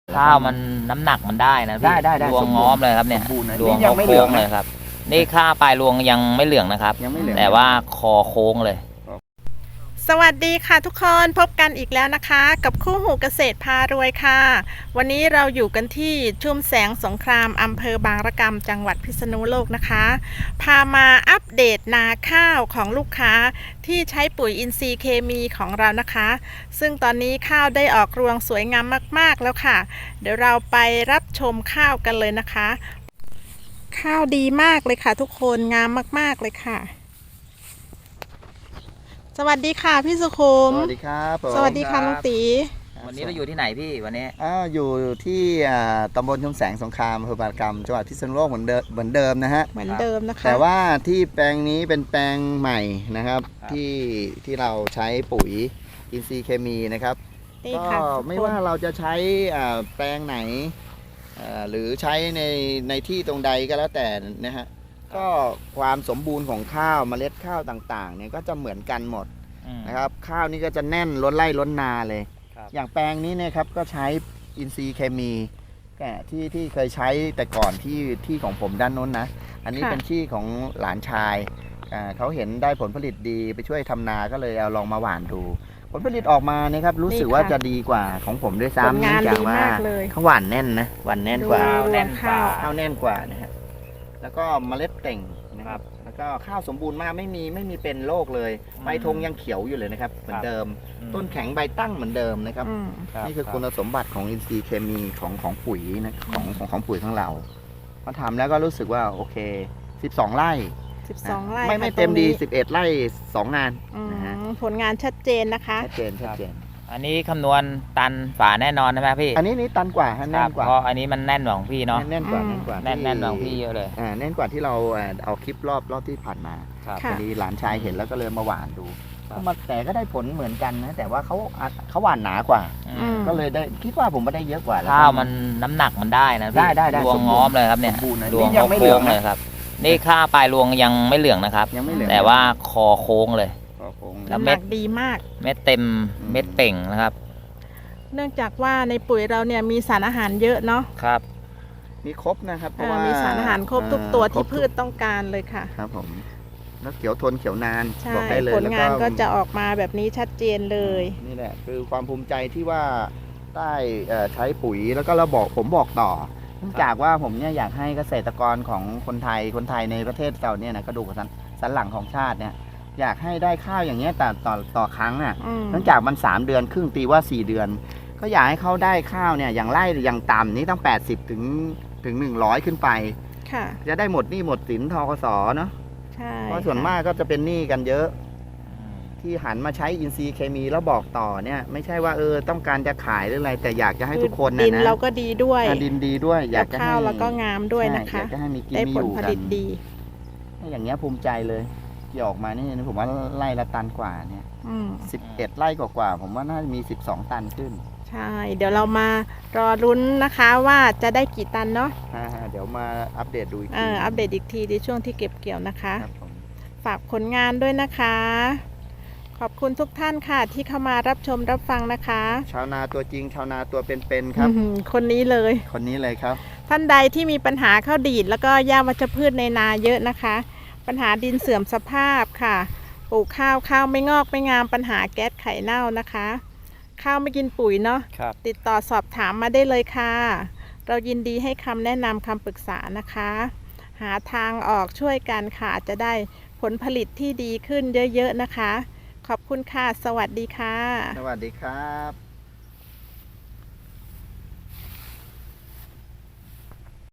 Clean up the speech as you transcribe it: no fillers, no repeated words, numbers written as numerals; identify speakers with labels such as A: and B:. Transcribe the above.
A: ข้าวมันน้ำหนักมันได้นะพี่รวงง้อมเลยครับเนี่ยรวงเขาโค้งเลยครับนี่ข้าวปลายรวงยังไม่เหลืองนะครับแต่ว่าคอโค้งเลย
B: สวัสดีค่ะทุกคนพบกันอีกแล้วนะคะกับคู่หูเกษตรพารวยค่ะวันนี้เราอยู่กันที่ชุ่มแสงสงครามอำเภอบางระกำจังหวัดพิษณุโลกนะคะพามาอัปเดตนาข้าวของลูกค้าที่ใช้ปุ๋ยอินทรีย์เคมีของเรานะคะซึ่งตอนนี้ข้าวได้ออกรวงสวยงามมากๆแล้วค่ะเดี๋ยวเราไปรับชมข้าวกันเลยนะคะข้าวดีมากเลยค่ะทุกคนงามมากๆเลยค่ะสวัสดีค่ะพี่สุขุม
C: สวัสดีครับผม
B: สวัสดีค่ะลุงตี
A: วันนี้เราอยู่ที่ไหนพี่วันนี้
C: อยู่ที่ตำบลชุมแสงสงครามอำเภอบางระกำจังหวัดพิษณุโลกเหมือนเดิมนะฮะ
B: เหมือนเดิมนะคะ
C: แต่ว่าที่แปลงนี้เป็นแปลงใหม่นะครับที่เราใช้ปุ๋ยอินทรีย์เคมีนะครับก็ไม่ว่าเราจะใช้แปลงไหนหรือใช้ในที่ตรงใดก็แล้วแต่นะฮะก็ความสมบูรณ์ของข้าวเมล็ดข้าวต่างๆเนี่ยก็จะเหมือนกันหมดนะครับข้าวนี่ก็จะแน่นล้นไร่ล้นนาเลยอย่างแปลงนี้เนี่ยครับก็ใช้อินทรีย์เคมีที่เคยใช้แต่ก่อนที่ของผมด้านโน้นนะอันนี้เป็นที่ของหลานชายเขาเห็นได้ผลผลิตดีไปช่วยทำนาก็เลยเอาลองมาหว่านดูผลผลิตออกมาเนี่ยครับรู้สึกว่าจะดีกว่าของผมด้วยซ้ำเนื่องจากว่าเขาหว่านแน่นนะหว่านแน่นกว่าข้าวแน่นกว่านะฮะแล้วก็เมล็ดเต่งนะครับแล้วก็ข้าวสมบูรณ์มากไม่มีเป็นโรคเลยใบธงยังเขียวอยู่เลยนะครับเหมือนเดิมต้นแข็งใบตั้งเหมือนเดิมนะครับนี่คือคุณสมบัติของอินทรีย์เคมีของปุ๋ยนะของปุ๋ยของเราพอทำแล้วก็รู้สึกว่าโอเค12 ไร่ไม่เต็มดี11 ไร่2 งานนะฮะ
B: ผลงานชัดเจนนะคะ
C: ชัดเจน
A: อันนี้คำนวณตันฝาแน่นอนใช่ไหมพี่
C: อันนี้ตันกว่าแน่นกว่า
A: เพราะอันนี้มันแน่นกว่าของพี่เนาะ
C: แน่นกว่า
A: แน่นกว่าของพี่เยอะเลย
C: แน่นกว่าที่เราเอาคลิปรอบที่ผ่านมาพอดีหลานชายเห็นแล้วก็เลยมาหว่านดูแต่ก็ได้ผลเหมือนกันนะแต่ว่าเขาหว่านหนากว่าก็เลยได้คิดว่าผมไม่ได้เยอะกว่า
A: ข้าวมันน้ำหนักมันได้นะพี่รวงง้อมเลยครับเนี่ยรวงเขาโค้งเลยครับนี่ข้าวปลายรวงยังไม่เหลืองนะครับแต่ว่าคอโค้งเลย
B: แล้วเม็ดดีมาก
A: เม็ดเต็มเม็ดเป่งนะครับ
B: เนื่องจากว่าในปุ๋ยเราเนี่ยมีสารอาหารเยอะเนาะ
C: ครับมีครบนะครับเพราะว่า
B: มีสารอาหารครบทุกตัวที่พืชต้องการเลยค่ะ
C: ครับผมแล้วเขียวทนเขียวนาน
B: บอกได้เลยผลงานก็จะออกมาแบบนี้ชัดเจนเลย
C: นี่แหละคือความภูมิใจที่ว่าได้ใช้ปุ๋ยแล้วก็ผมบอกต่อเนื่องจากว่าผมเนี่ยอยากให้เกษตรกรของคนไทยในประเทศเราเนี่ยนะกระดูกสันหลังของชาติเนี่ยอยากให้ได้ข้าวอย่างเงี้ยต่อครั้งอ่ะเนื่องจากมัน3 เดือนครึ่งตีว่า4 เดือนก็อยากให้เขาได้ข้าวเนี่ยอย่างไร่อย่างต่ำนี้ต้อง80ถึง100ขึ้นไปจะได้หมดหนี้หมดสินทกสเนาะเพราะส่วนมากก็จะเป็นหนี้กันเยอะที่หันมาใช้อินทรีย์เคมีแล้วบอกต่อเนี่ยไม่ใช่ว่าต้องการจะขายหรืออะไรแต่อยากจะให้ทุกคนนะ
B: ดินเราก็ดีด้วย
C: ดินดีด้วยอยากจะให้
B: ข้าวเราก็งามด้วยนะคะ
C: อยากจะให้มีกินมีอยู่กันอย่างเงี้ยภูมิใจเลยที่ออกมานี่ผมว่าไร่ละตันกว่าเนี่ย11 ไร่กว่าผมว่าน่าจะมี12 ตันขึ้น
B: ใช่เดี๋ยวเรามารอรุ้นนะคะว่าจะได้กี่ตันเนาะ
C: เดี๋ยวมาอัปเดตดูอีกที
B: อัปเดตอีกทีในช่วงที่เก็บเกี่ยวนะคะฝากผลงานด้วยนะคะขอบคุณทุกท่านค่ะที่เข้ามารับชมรับฟังนะคะ
C: ชาวนาตัวจริงชาวนาตัวเป็นๆครับ
B: คนนี้เลย
C: ครับ
B: ท่านใดที่มีปัญหาข้าวดีดแล้วก็หญ้าวัชพืชในนาเยอะนะคะปัญหาดินเสื่อมสภาพค่ะปลูกข้าวไม่งอกไม่งามปัญหาแก๊สไข่เน่านะคะข้าวไม่กินปุ๋ยเนาะติดต่อสอบถามมาได้เลยค่ะเรายินดีให้คำแนะนำคำปรึกษานะคะหาทางออกช่วยกันค่ะจะได้ผลผลิตที่ดีขึ้นเยอะๆนะคะขอบคุณค่ะสวัสดีค่ะ
C: สวัสดีครับ